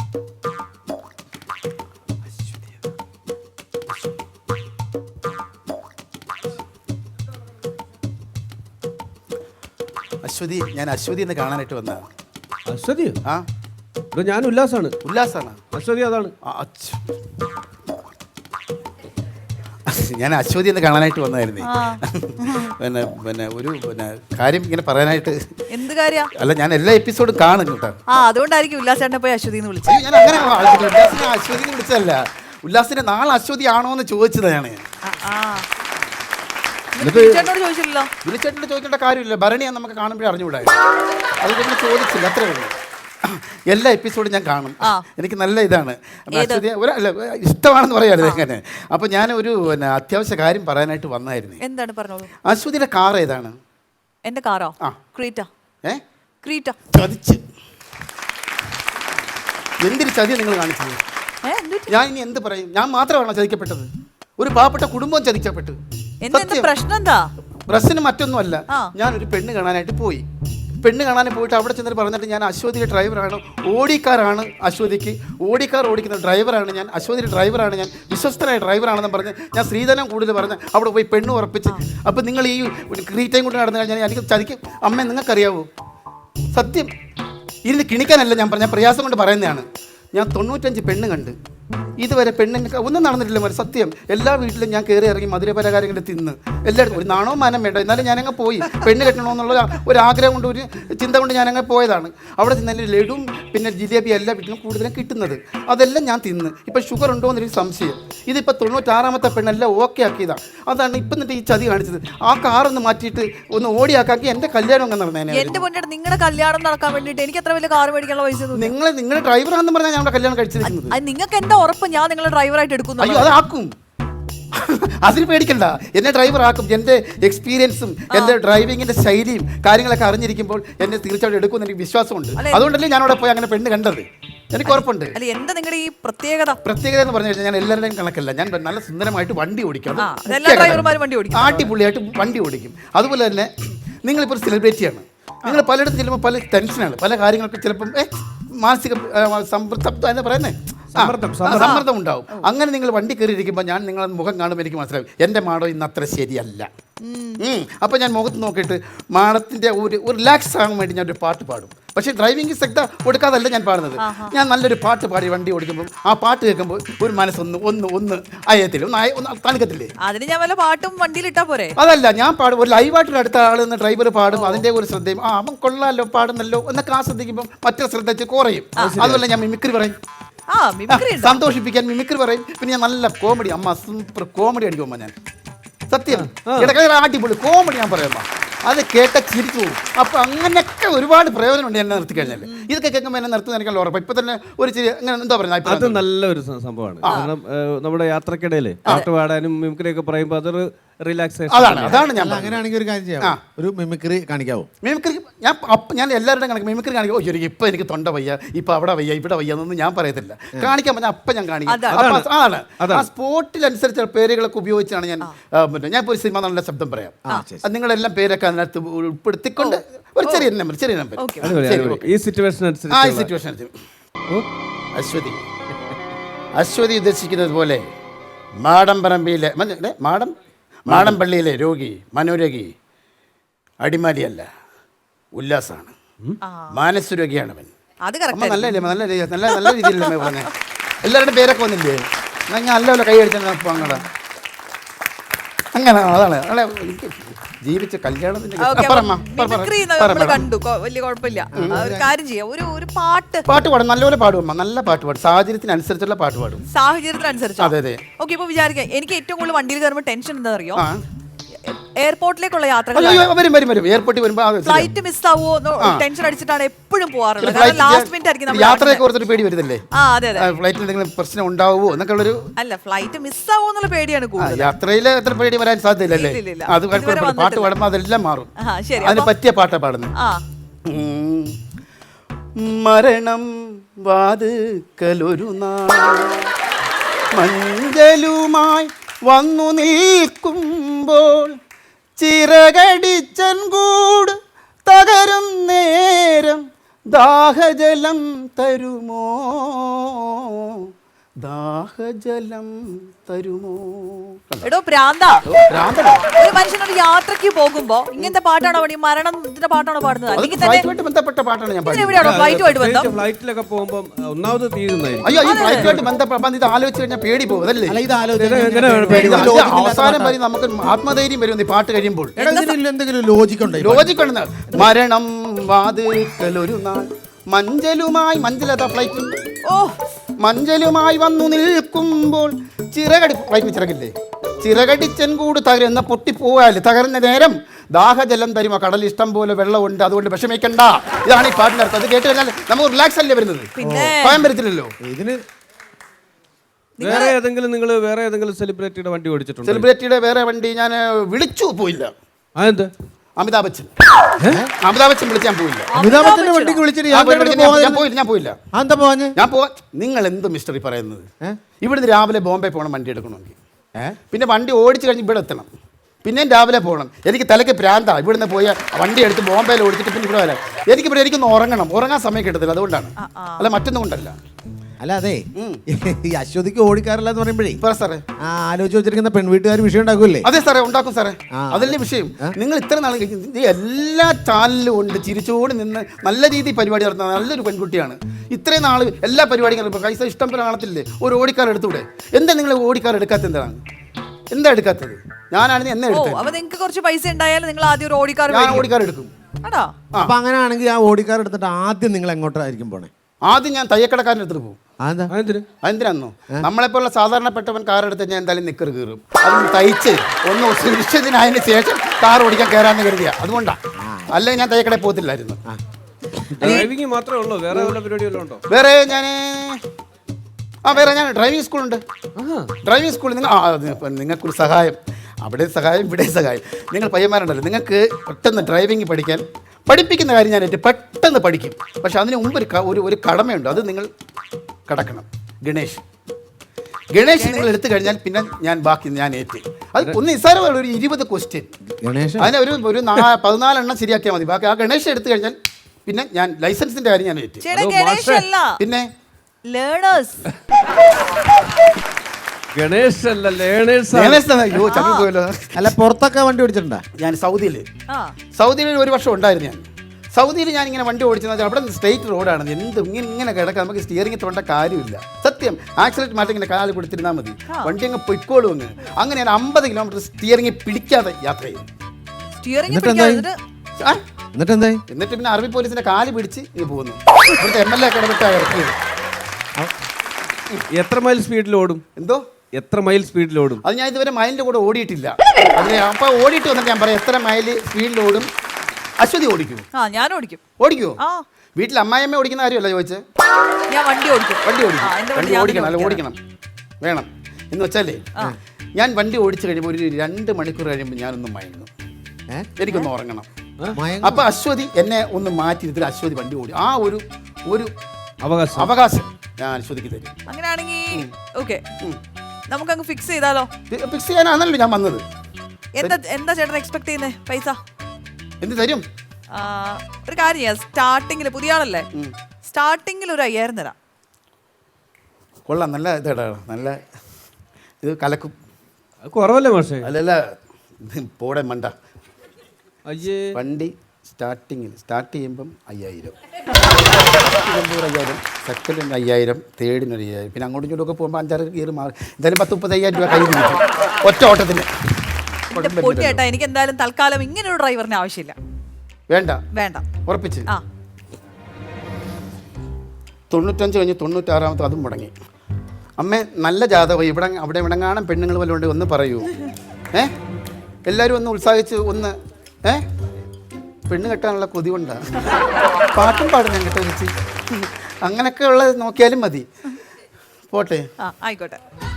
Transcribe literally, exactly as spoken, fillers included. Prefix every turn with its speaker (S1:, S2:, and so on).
S1: അശ്വതി, ഞാൻ അശ്വതി എന്ന് കാണാനായിട്ട് വന്ന.
S2: അശ്വതി?
S1: ആ,
S2: ഞാൻ ഉല്ലാസാണ്.
S1: ഉല്ലാസാണ്
S2: അശ്വതി അതാണ്.
S1: ഞാൻ അശ്വതി എന്ന് കാണാനായിട്ട് വന്നതായിരുന്നേ. പിന്നെ പിന്നെ ഒരു പിന്നെ കാര്യം ഇങ്ങനെ പറയാനായിട്ട്.
S3: എന്ത് കാര്യം?
S1: അല്ല, ഞാൻ എല്ലാ എപ്പിസോഡും കാണും കേട്ടോ.
S3: ആ, അതുകൊണ്ടായിരിക്കും ഉല്ലാസേട്ടനെ പോയി അശ്വതി എന്ന് വിളിച്ചത്.
S1: ഞാൻ അങ്ങനെ ഉല്ലാസിനെ അശ്വതി എന്ന് വിളിച്ചതല്ല. ഉല്ലാസിന്റെ നാളെ അശ്വതി ആണോ എന്ന് ചോദിച്ചതാണ്.
S3: ചോദിച്ചില്ലല്ലോ.
S1: വിളിച്ചേട്ടനോട് ചോദിക്കേണ്ട കാര്യമില്ല. ഭരണിയാ നമുക്ക് കാണുമ്പോഴേ അറിഞ്ഞുകൂടായിരുന്നു. അതുകൊണ്ട് ചോദിച്ചില്ല, അത്രേ ഉള്ളൂ. എല്ലാ എപ്പിസോഡും ഞാൻ കാണും. എനിക്ക് നല്ല ഇതാണ്, അശ്വതി അല്ല ഇഷ്ടമാണെന്ന് പറയാറ് എങ്ങനെ. അപ്പൊ ഞാൻ ഒരു പിന്നെ അത്യാവശ്യ കാര്യം പറയാനായിട്ട് വന്നായിരുന്നു.
S3: എന്താണ് പറഞ്ഞോളൂ.
S1: അശ്വതിയുടെ കാർ ഏതാണ്?
S3: എന്റെ കാറോ?
S1: ആ,
S3: ക്രീറ്റ.
S1: ഏ
S3: ക്രീറ്റ.
S1: ചതിച്ച് എന്തൊരു ചതിയ നിങ്ങൾ കാണിച്ചത്. ഞാൻ ഇനി എന്ത് പറയും? ഞാൻ മാത്രമാണോ ചതിക്കപ്പെട്ടത്? ഒരു പാവപ്പെട്ട കുടുംബം ചതിക്കപ്പെട്ടു.
S3: പ്രശ്നം എന്താ?
S1: പ്രശ്നം മറ്റൊന്നുമല്ല. ഞാനൊരു പെണ്ണ് കാണാനായിട്ട് പോയി. പെണ്ണ് കാണാൻ പോയിട്ട് അവിടെ ചെന്നിട്ട് പറഞ്ഞിട്ട് ഞാൻ അശ്വതിയുടെ ഡ്രൈവറാണ്, ഓടിക്കാറാണ് അശ്വതിക്ക്, ഓടിക്കാർ ഓടിക്കുന്ന ഡ്രൈവറാണ് ഞാൻ, അശ്വതിയുടെ ഡ്രൈവറാണ് ഞാൻ, വിശ്വസ്തനായ ഡ്രൈവറാണെന്ന് പറഞ്ഞ് ഞാൻ സ്ത്രീധനം കൂടുതൽ പറഞ്ഞ് അവിടെ പോയി പെണ്ണ് ഉറപ്പിച്ച്. അപ്പം നിങ്ങൾ ഈ ക്രീറ്റയും കൊണ്ട് നടന്നു കഴിഞ്ഞാൽ എനിക്ക് ചതിക്കും. അമ്മ നിങ്ങൾക്കറിയാവോ സത്യം? ഇതിന് കിണിക്കാനല്ല ഞാൻ പറഞ്ഞ, പ്രയാസം കൊണ്ട് പറയുന്നതാണ്. ഞാൻ തൊണ്ണൂറ്റഞ്ച് പെണ്ണ് കണ്ട്, ഇതുവരെ പെണ്ണിന് ഒന്നും നടന്നിട്ടില്ല മോനെ, സത്യം. എല്ലാ വീട്ടിലും ഞാൻ കയറി ഇറങ്ങി മധുര പലഹാരങ്ങൾ തിന്ന് എല്ലായിടത്തും. ഒരു നാണോ മാനം വേണ്ട, എന്നാലും ഞാനങ്ങ് പോയി. പെണ്ണ് കെട്ടണമെന്നുള്ള ഒരു ആഗ്രഹം കൊണ്ട്, ഒരു ചിന്ത കൊണ്ട് ഞാനങ്ങ് പോയതാണ്. അവിടെ ചെന്നാലും ലഡുവും പിന്നെ ജിലേബി എല്ലാ വീട്ടിലും കൂടുതലും കിട്ടുന്നത്, അതെല്ലാം ഞാൻ തിന്ന്. ഇപ്പം ഷുഗർ ഉണ്ടോ എന്നൊരു സംശയം. ഇതിപ്പോൾ തൊണ്ണൂറ്റാറാമത്തെ പെണ്ണെല്ലാം ഓക്കെ ആക്കിയതാണ്. അതാണ് ഇപ്പം എന്നിട്ട് ഈ ചതി കാണിച്ചത്. ആ കാറൊന്ന് മാറ്റിയിട്ട് ഒന്ന് ഓടിയാക്കി എൻ്റെ കല്യാണം അങ്ങ് നടന്നേനെ.
S3: എൻ്റെ പൊന്നേ, നിങ്ങളുടെ കല്യാണം നടക്കാൻ വേണ്ടിയിട്ട് എനിക്ക് എത്ര വലിയ കാർ മേടിക്കാനുള്ള പൈസ?
S1: നിങ്ങൾ നിങ്ങളുടെ ഡ്രൈവറാണെന്ന് പറഞ്ഞാൽ ഞങ്ങളുടെ കല്യാണം കഴിച്ചിരിക്കുന്നത്.
S3: നിങ്ങൾക്ക് എന്താ ഉറപ്പ് ഞാൻ നിങ്ങളെ ഡ്രൈവറായിട്ട് എടുക്കുന്നു?
S1: അയ്യോ, അതാക്കും. അതിന് പേടിക്കണ്ട, എന്നെ ഡ്രൈവർ ആക്കും. എൻ്റെ എക്സ്പീരിയൻസും എൻ്റെ ഡ്രൈവിങ്ങിൻ്റെ ശൈലിയും കാര്യങ്ങളൊക്കെ അറിഞ്ഞിരിക്കുമ്പോൾ എന്നെ തീർച്ചയായിട്ടും എടുക്കുമെന്ന് എനിക്ക് വിശ്വാസമുണ്ട്. അതുകൊണ്ടല്ലേ ഞാൻ അവിടെ പോയി അങ്ങനെ പെണ്ണ് കണ്ടത്. എനിക്ക് ഉറപ്പുണ്ട്.
S3: അല്ല, എന്താ നിങ്ങളുടെ ഈ പ്രത്യേകത?
S1: പ്രത്യേകത എന്ന് പറഞ്ഞു കഴിഞ്ഞാൽ ഞാൻ എല്ലാവരുടെയും കണക്കല്ല, ഞാൻ നല്ല സുന്ദരമായിട്ട് വണ്ടി ഓടിക്കും. ആട്ടിപ്പുള്ളിയായിട്ട് വണ്ടി ഓടിക്കും. അതുപോലെ തന്നെ നിങ്ങളിപ്പോൾ ഒരു സെലിബ്രിറ്റിയാണ്. നിങ്ങൾ പലയിടത്തും ചിലപ്പോൾ പല ടെൻഷനാണ്, പല കാര്യങ്ങൾക്ക് ചിലപ്പം മാനസിക സമ്മർദ്ദം എന്ന് പറയുന്നത് സമ്മർദ്ദം സമ്മർദ്ദം ഉണ്ടാവും. അങ്ങനെ നിങ്ങൾ വണ്ടി കയറിയിരിക്കുമ്പോൾ ഞാൻ നിങ്ങളുടെ മുഖം കാണുമ്പോൾ എനിക്ക് മനസ്സിലാവും എൻ്റെ മാഡം ഇന്ന് അത്ര ശരിയല്ല. അപ്പോൾ ഞാൻ മുഖത്ത് നോക്കിയിട്ട് മാഡത്തിൻ്റെ ഒരു ഒരു റിലാക്സ് ആകാൻ വേണ്ടി ഞാൻ ഒരു പാട്ട് പാടും. പക്ഷേ ഡ്രൈവിംഗ് ശ്രദ്ധ കൊടുക്കാതല്ല ഞാൻ പാടുന്നത്. ഞാൻ നല്ലൊരു പാട്ട് പാടി വണ്ടി ഓടിക്കുമ്പോൾ ആ പാട്ട് കേൾക്കുമ്പോൾ ഒരു മനസ്സൊന്ന് ഒന്ന് ഒന്ന് അയത്തില്ല, ഒന്ന് ഒന്ന് തണുക്കത്തില്ലേ?
S3: അതിന് ഞാൻ വല്ല പാട്ടും വണ്ടിയിൽ ഇട്ടാ പോരെ? അതല്ല,
S1: ഞാൻ പാടും. ഒരു ലൈവായിട്ട് അടുത്ത ആൾ നിന്ന് ഡ്രൈവർ പാടും, അതിൻ്റെ ഒരു ശ്രദ്ധയും ആ അവൻ കൊള്ളാമല്ലോ പാടുന്നല്ലോ എന്നൊക്കെ ആ ശ്രദ്ധിക്കുമ്പോൾ മറ്റൊരു ശ്രദ്ധിച്ച് കുറയും. അതുപോലെ ഞാൻ മിമിക്രി പറയും, സന്തോഷിപ്പിക്കാൻ മിമിക്രി പറയും. പിന്നെ ഞാൻ നല്ല കോമഡി, അമ്മ സൂപ്പർ കോമഡി അടിക്കുമ്പോ ഞാൻ സത്യം ഇടയ്ക്ക് അടിപൊളി കോമഡി ഞാൻ പറയുമ്പോ അത് കേട്ട ചിരിച്ചു പോകും. അപ്പൊ അങ്ങനെയൊക്കെ ഒരുപാട് പ്രയോജനമുണ്ട് എന്നെ നിർത്തി കഴിഞ്ഞാൽ. ഇതൊക്കെ കേൾക്കുമ്പോൾ എന്നെ നിർത്തുന്ന എനിക്കുള്ള ഉറപ്പ്. ഇപ്പൊ തന്നെ ഒരു ചിരി അങ്ങനെ എന്താ പറയുക,
S2: അത് നല്ലൊരു സംഭവമാണ്. കാരണം നമ്മുടെ യാത്രക്കിടയില് പാട്ട് പാടാനും മിമിക്രി ഒക്കെ പറയുമ്പോൾ അതൊരു റിലാക്സേഷൻ.
S1: അതാണ് അതാണ് ഞാൻ
S4: അങ്ങനെയാണെങ്കിൽ ഒരു കാര്യം ചെയ്യാം, ഒരു മിമിക്രി കാണിക്കാവോ?
S1: മിമിക്രി ഞാൻ ഞാൻ എല്ലാവരുടെയും കണക്ക് മിമിക്രി കാണിക്കും. ഓ ഇപ്പൊ എനിക്ക് തൊണ്ട വയ്യ, ഇപ്പൊ അവിടെ വയ്യ, ഇവിടെ വയ്യ എന്നൊന്നും ഞാൻ പറയത്തില്ല. കാണിക്കാൻ പറഞ്ഞാൽ അപ്പം ഞാൻ കാണിക്കും. അതാണ് ആ സ്പോട്ടിലനുസരിച്ച് പേരുകളൊക്കെ ഉപയോഗിച്ചാണ് ഞാൻ. ഞാൻ ഇപ്പോൾ ഒരു സിനിമ നല്ല ശബ്ദം പറയാം, നിങ്ങളെല്ലാം പേരൊക്കെ അതിനകത്ത് ഉൾപ്പെടുത്തിക്കൊണ്ട് ഒരു ചെറിയ നമ്പർ ചെറിയ നമ്പർ
S2: ഈ സിറ്റുവേഷൻ
S1: ആ ഈ സിറ്റുവേഷൻ അശ്വതി അശ്വതി ഉദ്ദേശിക്കുന്നത് പോലെ മാടമ്പറമ്പിയിലെ മാടം മാടമ്പള്ളിയിലെ രോഗി മനോരോഗി അടിമാലിയല്ല, ഉല്ലാസാണ്. മാനസരോഗിയാണ് അവൻ. നല്ലല്ലേ നല്ല നല്ല നല്ല രീതിയിലല്ലേ പറഞ്ഞത്? എല്ലാവരുടെയും പേരൊക്കെ വന്നില്ലേ? എന്നാൽ ഞാൻ നല്ലപോലെ കൈ അടിച്ചാൽ അങ്ങടെ അങ്ങനെ അതാണ് എനിക്ക് ജീവിച്ച കല്യാണത്തിന്റെ
S3: കണ്ടു. വലിയ കുഴപ്പമില്ല. ഒരു കാര്യം ചെയ്യാം, ഒരു ഒരു പാട്ട്
S1: പാട്ട് പാടും, നല്ലപോലെ പാടും, നല്ല പാട്ട് പാടും, സാഹചര്യത്തിനനുസരിച്ചുള്ള പാട്ട് പാടും.
S3: സാഹചര്യത്തിനനുസരിച്ച്.
S1: അതെ അതെ.
S3: ഓക്കെ, ഇപ്പൊ വിചാരിക്കാം, എനിക്ക് ഏറ്റവും കൂടുതൽ വണ്ടിയിൽ കയറുമ്പോൾ ടെൻഷൻ എന്താ അറിയോ? എയർപോർട്ടിലേക്കുള്ള യാത്രകൾ
S1: വരും വരും വരും എയർപോർട്ടിൽ വരുമ്പോൾ
S3: ഫ്ലൈറ്റ് മിസ് ആവോ ടെൻഷൻ അടിച്ചിട്ടാണ് എപ്പോഴും പോകാറുള്ളത്. ലാസ്റ്റ് മിനിറ്റ് ആയിരിക്കും
S1: യാത്രയൊക്കെ ഓർത്തൊരു പേടി വരുന്നില്ലേ?
S3: അതെ അതെ.
S1: ഫ്ലൈറ്റിൽ എന്തെങ്കിലും പ്രശ്നം ഉണ്ടാവുമോ എന്നൊക്കെ ഉള്ളൊരു
S3: അല്ല, ഫ്ലൈറ്റ് മിസ് ആവോ എന്നുള്ള പേടിയാണ് കൂടുതൽ.
S1: യാത്രയിൽ എത്ര പേടി വരാൻ സാധ്യതയില്ലല്ലേ? അത് പാട്ട് പാടുമ്പോൾ അതെല്ലാം മാറും. അതിന് പറ്റിയ പാട്ടാ പാടുന്നത്. മരണം വാതുക്കലൊരു നാൾ മഞ്ചലുമായി വന്നു നിൽക്കുമ്പോൾ ചിറകടിച്ചൻ കൂട് തകരും നേരം ദാഹജലം തരുമോ? ദാഹജലം തരുമോ.
S3: എടോ പ്രാന്ത,
S1: ഭ്രാന്തനാ.
S3: ഒരു മനുഷ്യനൊരു യാത്രക്ക് പോകുമ്പോ ഇങ്ങനത്തെ പാട്ടാണോ പാടി മരണത്തിന്റെ പാട്ടാണോ പാടുന്നത്?
S1: അത്
S3: അല്ലെങ്കിൽ തന്നെ
S1: ഫ്ലൈറ്റുമായിട്ട് ബന്ധപ്പെട്ട പാട്ടാണ് ഞാൻ പാടുന്നത്.
S3: എവിടെയാണോ ഫ്ലൈറ്റുമായിട്ട് ബന്ധം?
S2: ഫ്ലൈറ്റിലൊക്കെ പോകുമ്പോൾ ഒന്നാമത് തീരുന്നതായിരിക്കും.
S1: അയ്യോ ഈ ഫ്ലൈറ്റുമായിട്ട് ബന്ധപ്പെട്ട ഇത് ആലോചിച്ച് കഴിഞ്ഞാൽ പേടി പോകും അതല്ലേ.
S4: അല്ല ഇത് ആലോചിച്ച്
S2: എങ്ങനെ
S1: ഇത്
S2: പേടി
S1: ഇത് അവസാനം വരെ നമുക്ക് ആത്മധൈര്യം വരും ഈ പാട്ട് കഴിയുമ്പോൾ.
S4: എടാ, ഇതിൽ എന്തെങ്കിലും ലോജിക് ഉണ്ടോ?
S1: ലോജിക് ഉണ്ട്. മരണം വാതിൽക്കലൊരു നാൾ മഞ്ചലുമായി മഞ്ചലത ഫ്ലൈറ്റ്
S3: ഓ
S1: മഞ്ചലുമായി വന്നു നിൽക്കുമ്പോൾ ചിറകടി ഫ്ലൈറ്റിന് ചിറകില്ലേ, ചിറകടിച്ചൻ കൂട് തകരുന്ന പൊട്ടിപ്പോയാല് തകർന്ന നേരം ദാഹജലം തരുമോ, കടൽ ഇഷ്ടം പോലെ വെള്ളമുണ്ട് അതുകൊണ്ട് വിഷമിക്കണ്ട. ഇതാണ് ഈ പാട്ടിന്റെ അർത്ഥം. അത് കേട്ട് കഴിഞ്ഞാൽ നമുക്ക് റിലാക്സ് അല്ലേ വരുന്നത്,
S3: പിന്നെ
S1: ഭയം വരത്തില്ലല്ലോ.
S4: ഇതിന്
S2: വേറെ ഏതെങ്കിലും നിങ്ങൾ വേറെ ഏതെങ്കിലും സെലിബ്രിറ്റിയുടെ വണ്ടി ഓടിച്ചിട്ടുണ്ടോ?
S1: സെലിബ്രിറ്റിയുടെ വേറെ വണ്ടി ഞാൻ വിളിച്ചു പോയില്ല.
S2: അതെന്ത്?
S1: അമിതാഭ് ബച്ചൻ അമിതാഭ് ബച്ചൻ വിളിച്ച് ഞാൻ പോയില്ല.
S4: അമിതാഭ് ബച്ചന്റെ വണ്ടിക്ക് വിളിച്ചിട്ട്
S1: ഞാൻ
S4: ഞാൻ
S1: പോയി-
S4: ഇവിടെ
S1: ഞാൻ
S4: പോകാൻ-
S1: പോയില്ല ഞാൻ പോയില്ല
S4: അതെന്താ പോവാഞ്ഞ്?
S1: ഞാൻ പോവാ. നിങ്ങൾ എന്ത് മിസ്റ്ററി പറയുന്നത്?
S4: ഏ?
S1: ഇവിടുന്ന് രാവിലെ ബോംബെ പോകണം വണ്ടി എടുക്കണമെങ്കിൽ,
S4: ഏ?
S1: പിന്നെ വണ്ടി ഓടിച്ച് കഴിഞ്ഞ് ഇവിടെ എത്തണം, പിന്നെയും രാവിലെ പോകണം. എനിക്ക് തലയ്ക്ക് പ്രാന്താ. ഇവിടുന്ന് പോയ വണ്ടി എടുത്ത് ബോംബെയിൽ ഓടിച്ചിട്ട് പിന്നെ ഇവിടെ വരാം. എനിക്ക് ഇവിടെ എനിക്കൊന്ന് ഉറങ്ങണം, ഉറങ്ങാൻ സമയം കിട്ടത്തില്ല, അതുകൊണ്ടാണ്. അല്ല മറ്റൊന്നും കൊണ്ടല്ല.
S4: അല്ല അതെ ഈ അശ്വതിക്ക് ഓടിക്കാറില്ല എന്ന് പറയുമ്പോഴേ
S1: പറ സാറേ.
S4: ആ ആലോചിച്ച് വെച്ചിരിക്കുന്ന പെൺവീട്ടുകാർ വിഷയം ഉണ്ടാക്കുമല്ലേ?
S1: അതെ സാറേ, ഉണ്ടാക്കും സാറേ.
S4: ആ.
S1: അതല്ലേ വിഷയം. നിങ്ങൾ ഇത്ര നാൾ കഴിഞ്ഞ് ഈ എല്ലാ ചാനലിലും ഉണ്ട് ചിരിച്ചുകൊണ്ട് നിന്ന് നല്ല രീതിയിൽ പരിപാടി നടത്തുന്ന നല്ലൊരു പെൺകുട്ടിയാണ്. ഇത്രയും നാൾ എല്ലാ പരിപാടികളും ഇപ്പോൾ പൈസ ഇഷ്ടം പോലെ കാണത്തില്ലേ, ഒരു ഓടിക്കാർ എടുത്തൂടെ? എന്താ നിങ്ങൾ ഓടിക്കാർ എടുക്കാത്ത? എന്താണ് എന്താ എടുക്കാത്തത്? ഞാനാണെങ്കിൽ എന്നെ
S3: ഓ
S1: എടുത്തത്.
S3: അപ്പൊ നിങ്ങൾക്ക് കുറച്ച് പൈസ ഉണ്ടായാലും നിങ്ങൾ ആദ്യം ഒരു ഓടിക്കാർ
S1: ഞാൻ ഓടിക്കാർ എടുക്കും.
S3: ആണോ?
S4: അപ്പൊ അങ്ങനെയാണെങ്കിൽ ആ ഓടിക്കാർ എടുത്തിട്ട് ആദ്യം നിങ്ങൾ എങ്ങോട്ടായിരിക്കും പോണേ?
S1: ആദ്യം ഞാൻ തയ്യക്കടക്കാരൻ എടുത്തിട്ട് പോകും.
S4: അതെന്താ?
S2: അതെന്തിന്?
S1: അതെന്തിനാന്നോ, നമ്മളെപ്പോലുള്ള സാധാരണപ്പെട്ടവൻ കാർ എടുത്ത് ഞാൻ എന്തായാലും നിക്കർ കീറും. അതൊന്ന് തയ്ച്ച് ഒന്ന് സുരക്ഷിതനായതിന് ശേഷം കാർ ഓടിക്കാൻ കയറാമെന്ന് കരുതിയാ. അതുകൊണ്ടാണ്. അല്ലെങ്കിൽ ഞാൻ തയ്യക്കടയിൽ പോകത്തില്ലായിരുന്നു.
S2: ഡ്രൈവിംഗ് മാത്രമേ ഉള്ളൂ, വേറെ വല്ല പരിപാടി വല്ലതും ഉണ്ടോ?
S1: വേറെ ഞാൻ ആ വേറെ ഞാൻ ഡ്രൈവിംഗ് സ്കൂളുണ്ട്. ഡ്രൈവിംഗ് സ്കൂളിൽ നിങ്ങൾ ആ നിങ്ങൾക്കൊരു സഹായം, അവിടെ സഹായം ഇവിടെ സഹായം. നിങ്ങൾ പയ്യന്മാരുണ്ടല്ലോ, നിങ്ങൾക്ക് പെട്ടെന്ന് ഡ്രൈവിംഗ് പഠിക്കാൻ പഠിപ്പിക്കുന്ന കാര്യം ഞാൻ ഏറ്റവും പെട്ടെന്ന് പഠിക്കും. പക്ഷെ അതിന് മുമ്പ് ഒരു ക- ഒരു ഒരു കടമയുണ്ട്, അത് നിങ്ങൾ കടക്കണം. ഗണേഷ് ഗണേഷ് നിങ്ങൾ എടുത്തു കഴിഞ്ഞാൽ പിന്നെ ഞാൻ ബാക്കി ഞാൻ ഏറ്റ്. അത് ഒന്ന് നിസ്സാരമാണ്, ഒരു ഇരുപത് ക്വസ്റ്റ്യൻ.
S4: ഗണേഷ്
S1: അതിന് ഒരു ഒരു നാ- പതിനാലെണ്ണം ശരിയാക്കിയാൽ മതി. ബാക്കി ആ ഗണേഷ് എടുത്തു കഴിഞ്ഞാൽ പിന്നെ ഞാൻ ലൈസൻസിന്റെ കാര്യം ഞാൻ ഏറ്റ്.
S3: ചേട്ടാ ഗണേഷ് അല്ല,
S1: പിന്നെ
S3: ലേണേഴ്സ്.
S2: ഗണേഷ് അല്ല, ലേണേഴ്സ്.
S1: ഗണേഷ് തന്നെ. അയ്യോ ചമ്മി പോയല്ലോ.
S4: അല്ല പുറത്തൊക്കെ വണ്ടി ഓടിച്ചിട്ടുണ്ടാ?
S1: ഞാൻ സൗദിയിൽ
S3: ആ
S1: സൗദിയിൽ ഒരു വർഷം ഉണ്ടായിരുന്നു. ഞാൻ സൗദിയിൽ ഞാൻ ഇങ്ങനെ വണ്ടി ഓടിച്ചെന്ന് അവിടെ സ്ട്രെയിറ്റ് റോഡാണ്. എന്ത് ഇങ്ങനെ ഇങ്ങനെ കിടക്കാം, നമുക്ക് സ്റ്റിയറിംഗ് തോണ്ട കാര്യമില്ല. സത്യം, ആക്സിഡൻറ്റ് മാറ്റി ഇങ്ങനെ കാല് കൊടുത്തിരുന്നാൽ മതി, വണ്ടി അങ്ങ് പൊയ്ക്കോളും. അങ്ങ് അങ്ങനെ ഞാൻ അമ്പത് കിലോമീറ്റർ സ്റ്റിയറിംഗ് പിടിക്കാതെ യാത്ര ചെയ്തു.
S3: സ്റ്റിയറിംഗ്
S4: എന്നിട്ട് എന്തായി?
S1: ആ
S4: എന്നിട്ട് എന്തായി?
S1: എന്നിട്ട് പിന്നെ അറബി പോലീസിന്റെ കാല് പിടിച്ച് ഈ പോകുന്നു. ഇവിടുത്തെ എം എൽ എ കിടന്നിട്ടാണ് ഇറക്കിയത്.
S2: എത്ര മൈൽ സ്പീഡിൽ ഓടും?
S1: എന്തോ
S2: എത്ര മൈൽ സ്പീഡിൽ ഓടും?
S1: അത് ഞാൻ ഇതുവരെ മൈലിൻ്റെ കൂടെ ഓടിയിട്ടില്ല. അതിന് അപ്പോൾ ഓടിയിട്ട് വന്നിട്ട് ഞാൻ പറയാം എത്ര മൈൽ സ്പീഡിൽ ഓടും. അശ്വതി ഓടിക്കുമോ?
S3: ആ ഞാൻ ഓടിക്കും.
S1: ഓടിക്കുമോ?
S3: ആ
S1: വീട്ടിൽ അമ്മായിയമ്മ ഓടിക്കുന്ന കാര്യമല്ല ചോദിച്ചത്.
S3: ഞാൻ വണ്ടി ഓടിക്കും.
S1: വണ്ടി ഓടിക്കും.
S3: ആ, എന്റെ
S1: വണ്ടി
S3: ഞാൻ
S1: ഓടിക്കണം, അല്ല
S3: ഓടിക്കാം.
S1: ഓടിക്കണം വേണം. എന്ന് വെച്ചാലേ ഞാൻ വണ്ടി ഓടിച്ചു കഴിയുമ്പോൾ ഒരു രണ്ട് മണിക്കൂർ കഴിയുമ്പോൾ ഞാനൊന്ന് മയങ്ങും.
S4: ഏ?
S1: എനിക്കൊന്ന് ഉറങ്ങണം.
S4: മയങ്ങും?
S1: അപ്പൊ അശ്വതി എന്നെ ഒന്ന് മാറ്റി ഇരുത്തി അശ്വതി വണ്ടി ഓടി. ആ ഒരു ഒരു
S2: അവകാശം
S1: അവകാശം ഞാൻ അശ്വതിക്ക് തരും.
S3: അങ്ങനെയാണെങ്കിൽ ഓക്കെ, നമുക്കങ്ങ് ഫിക്സ് ചെയ്താലോ?
S1: ഫിക്സ് ചെയ്യാനാണല്ലോ ഞാൻ വന്നത്.
S3: എന്താ എന്താ ചേട്ടൻ എക്സ്പെക്ട് ചെയ്യുന്നേ പൈസ?
S1: എന്ത് തരും?
S3: ആ, ഒരു കാര്യം ചെയ്യാം. സ്റ്റാർട്ടിങ്ങിൽ പുതിയ ആളല്ലേ, സ്റ്റാർട്ടിങ്ങിൽ ഒരു അയ്യായിരം തരാം.
S1: കൊള്ളാം, നല്ല ഇതാടാ, നല്ല ഇത് കലക്കും.
S2: അത് കുറവല്ലേ മാഷേ?
S1: അല്ലല്ല ഇത് പോടെ മണ്ട.
S2: അയ്യേ,
S1: വണ്ടി സ്റ്റാർട്ടിങ്ങിൽ സ്റ്റാർട്ട് ചെയ്യുമ്പം അയ്യായിരം, ഒരു അയ്യായിരം, സെക്കൻഡിന് അയ്യായിരം, തേർഡിന് ഒരു അയ്യായിരം, പിന്നെ അങ്ങോട്ടും ഇങ്ങോട്ടും ഒക്കെ പോകുമ്പോൾ അഞ്ചാറ് ഗിയർ മാറി എന്തായാലും പത്ത് മുപ്പത്തയ്യായിരം രൂപ കയ്യിൽ കിട്ടും ഒറ്റ ഓട്ടത്തിന്.
S3: പൊട്ടി ചേട്ടാ, എനിക്ക് എന്തായാലും തൽക്കാലം ഇങ്ങനെ ഒരു ഡ്രൈവറിന് ആവശ്യമില്ല.
S1: വേണ്ട,
S3: വേണ്ട.
S1: ഉറപ്പിച്ച്.
S3: ആ
S1: തൊണ്ണൂറ്റഞ്ച് കഴിഞ്ഞ് തൊണ്ണൂറ്റാറാമത്തെ അതും മുടങ്ങി. അമ്മേ നല്ല ജാതകം ഇവിടെ അവിടെ ഇവിടെ കാണാൻ പെണ്ണുങ്ങൾ വല്ലതും ഉണ്ടെങ്കിൽ ഒന്ന് പറയൂ. ഏ എല്ലാവരും ഒന്ന് ഉത്സാഹിച്ച് ഒന്ന് ഏ പെണ്ണ് കെട്ടാനുള്ള കൊതി കൊണ്ടാണ്. പാട്ടും പാടും ഞാൻ കേട്ടോ ചേച്ചി. അങ്ങനെയൊക്കെ ഉള്ളത് നോക്കിയാലും മതി. പോട്ടെ.
S3: ആ ആയിക്കോട്ടെ.